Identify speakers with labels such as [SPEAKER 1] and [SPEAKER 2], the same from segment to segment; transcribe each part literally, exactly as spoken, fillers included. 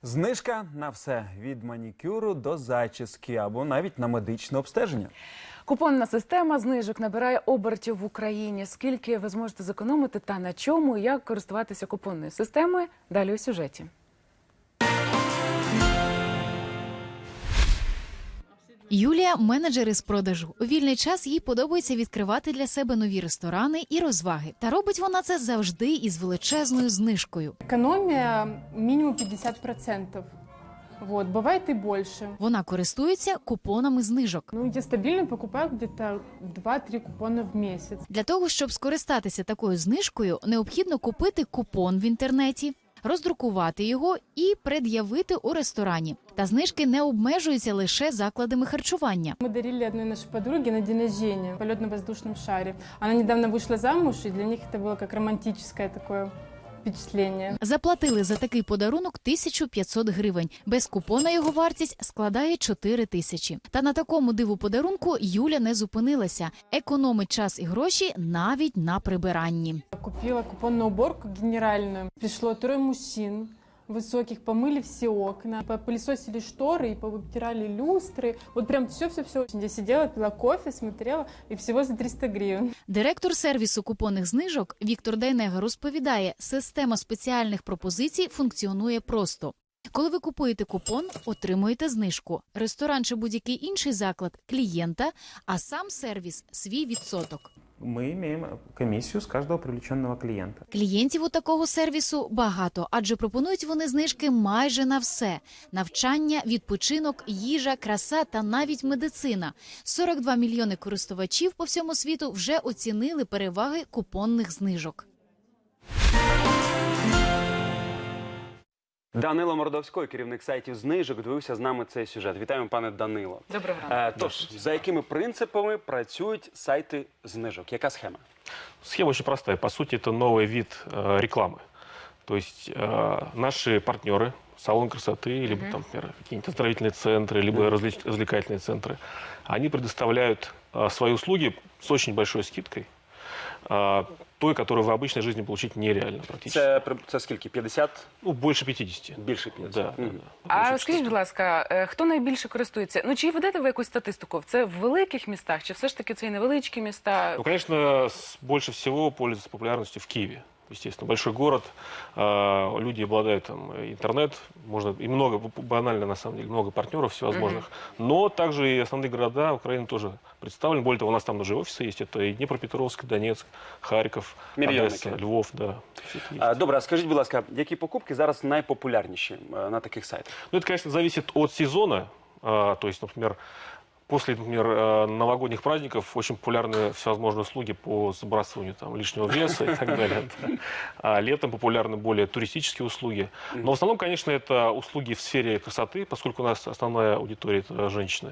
[SPEAKER 1] Знижка на все – від манікюру до зачіски або навіть на медичне обстеження.
[SPEAKER 2] Купонна система знижок набирає обертів в Україні. Скільки ви зможете зекономити та на чому, і як користуватися купонною системою – далі у сюжеті.
[SPEAKER 3] Юлія – менеджер із продажу. У вільний час їй подобається відкривати для себе нові ресторани і розваги. Та робить вона це завжди із величезною знижкою.
[SPEAKER 4] Экономия минимум пятьдесят процентов. Вот, бывает и больше.
[SPEAKER 3] Вона користується купонами знижок.
[SPEAKER 4] Ну, я стабильно покупаю где-то два-три купона в месяц.
[SPEAKER 3] Для того, щоб скористатися такою знижкою, необхідно купити купон в інтернеті, роздрукувати його і пред'явити у ресторані. Та знижки не обмежуються лише закладами харчування.
[SPEAKER 4] Мы дарили одной нашей подруге на день рождения полет на воздушном шаре. Она недавно вышла замуж, и для них это было как романтическое такое впечатление.
[SPEAKER 3] Заплатили за такий подарунок тисячу п'ятсот гривень. Без купона його вартість складає чотири тисячі. Та на такому диву подарунку Юля не зупинилася. Економить час і гроші навіть на прибиранні.
[SPEAKER 4] Купила купонную уборку генеральную. Пришло трое мужчин высоких, помыли все окна, попылесосили шторы и повытирали люстры. Вот прям все-все-все. Я сидела, пила кофе, смотрела, и всего за триста гривен.
[SPEAKER 3] Директор сервісу купонних знижок Віктор Дайнега розповідає, система спеціальних пропозицій функціонує просто. Коли ви купуєте купон, отримуєте знижку. Ресторан чи будь-який інший заклад – клієнта, а сам сервіс – свій відсоток.
[SPEAKER 5] Мы имеем комиссию с каждого привлеченного клиента.
[SPEAKER 3] Клієнтів у такого сервісу багато, адже пропонують вони знижки майже на все. Навчання, відпочинок, їжа, краса та навіть медицина. сорок два мільйони користувачів по всьому світу вже оцінили переваги купонних знижок.
[SPEAKER 1] Данило Мордовський, керівник сайтів знижок, дивився з нами цей сюжет. Вітаємо, пане Данило.
[SPEAKER 2] Доброго ранку.
[SPEAKER 1] Е, тож, за якими принципами працюють сайти знижок? Яка схема?
[SPEAKER 6] Схема очень простая. По сути, это новый вид э, рекламы. То есть э, наши партнеры, салон красоты, либо там, например, какие-нибудь оздоровительные центры, либо развлеч- развлекательные центры, они предоставляют э, свои услуги с очень большой скидкой, э, той, которую в обычной жизни получить нереально практически.
[SPEAKER 1] Це, при- це скільки? п'ятдесят?
[SPEAKER 6] Ну, больше пятидесяти.
[SPEAKER 1] Більше п'ятдесят?
[SPEAKER 6] Да,
[SPEAKER 1] Мгм.
[SPEAKER 6] да, да.
[SPEAKER 2] А
[SPEAKER 6] Больше
[SPEAKER 2] скажіть, будь
[SPEAKER 6] пятидесяти.
[SPEAKER 2] ласка, е, хто найбільше користується? Ну, чи ведете ви якусь статистику? Це в великих містах, чи все ж таки це і невеличкі міста?
[SPEAKER 6] Ну, конечно, с- больше всего пользуется популярностью в Киеве. Естественно, большой город, э, люди обладают там интернет, можно и много, банально на самом деле, много партнеров всевозможных. Но также и основные города Украины тоже представлены. Более того, у нас там даже офисы есть. Это и Днепропетровск, Донецк, Харьков,
[SPEAKER 1] Мільйонники.
[SPEAKER 6] Одесса, Львов, да. Все это есть.
[SPEAKER 1] А, добре, а скажіть, будь ласка, які покупки зараз найпопулярніші е, на таких сайтах?
[SPEAKER 6] Ну, это, конечно, зависит от сезона. А, то есть, например, после, например, э, новогодних праздников очень популярны всевозможные услуги по сбрасыванию там, лишнего веса и так далее. да. А летом популярны более туристические услуги. Но в основном, конечно, это услуги в сфере красоты, поскольку у нас основная аудитория – это женщины.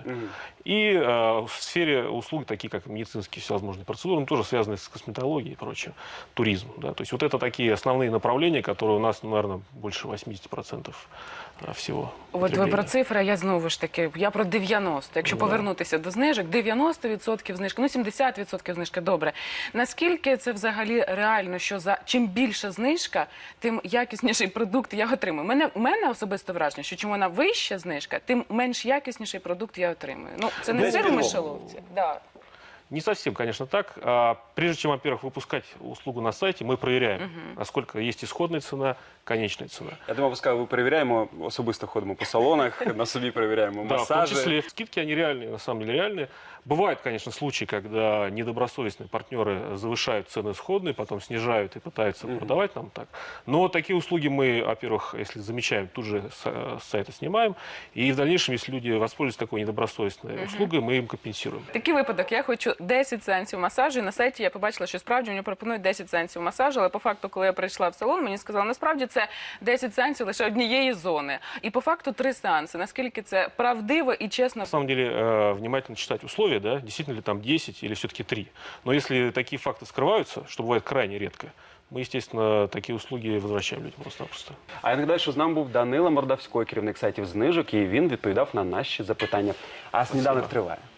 [SPEAKER 6] И э, в сфере услуг, такие как медицинские всевозможные процедуры, ну, тоже связанные с косметологией и прочее, туризм. Да. То есть вот это такие основные направления, которые у нас, ну, наверное, больше восьмидесяти процентов всего.
[SPEAKER 2] От ви
[SPEAKER 6] потребления.
[SPEAKER 2] про цифри, а я знову ж таки, я про дев'яносто. Якщо
[SPEAKER 6] Да.
[SPEAKER 2] повернутися до знижок, дев'яносто відсотків знижки, ну сімдесят відсотків знижки, добре. Наскільки це взагалі реально, що за чим більша знижка, тим якісніший продукт я отримую? Мене, у мене особисто враження, що чим вона вища знижка, тим менш якісніший продукт я отримую. Ну, це не
[SPEAKER 1] Десь
[SPEAKER 2] сир у
[SPEAKER 1] підлогу.
[SPEAKER 2] мишоловці. Да.
[SPEAKER 6] Не совсем, конечно, так. А, Прежде чем, во-первых, выпускать услугу на сайте, мы проверяем, насколько есть исходная цена, конечная цена.
[SPEAKER 1] Я думав, ви сказали, ви перевіряємо, особисто ходимо по салонах, на собі перевіряємо
[SPEAKER 6] Да, в том
[SPEAKER 1] масажі.
[SPEAKER 6] числе скидки, они реальные, на самом деле реальные. Бывают, конечно, случаи, когда недобросовестные партнеры завышают цены исходные, потом снижают и пытаются продавать нам так. Но такие услуги мы, во-первых, если замечаем, тут же с с сайта снимаем. И в дальнейшем, если люди воспользуются такой недобросовестной услугой, мы им компенсируем.
[SPEAKER 2] Такий випадок, я хочу десять сеансів масажу, і на сайті я побачила, що справді мені пропонують десять сеансів масажу, але по факту, коли я прийшла в салон, мені сказали, насправді це десять сеансів лише однієї зони. І по факту три сеанси. Наскільки це правдиво і чесно?
[SPEAKER 6] На самом деле, э, внимательно читать условия, да, действительно ли там десять или все-таки три. Но если такие факты скрываются, что бывает крайне редко, мы, естественно, такие услуги возвращаем людям просто-напросто.
[SPEAKER 1] А я нагадаю, що з нами був Данило Мордовський, керівник сайтів знижок, і він відповідав на наші запитання. А сніданок триває.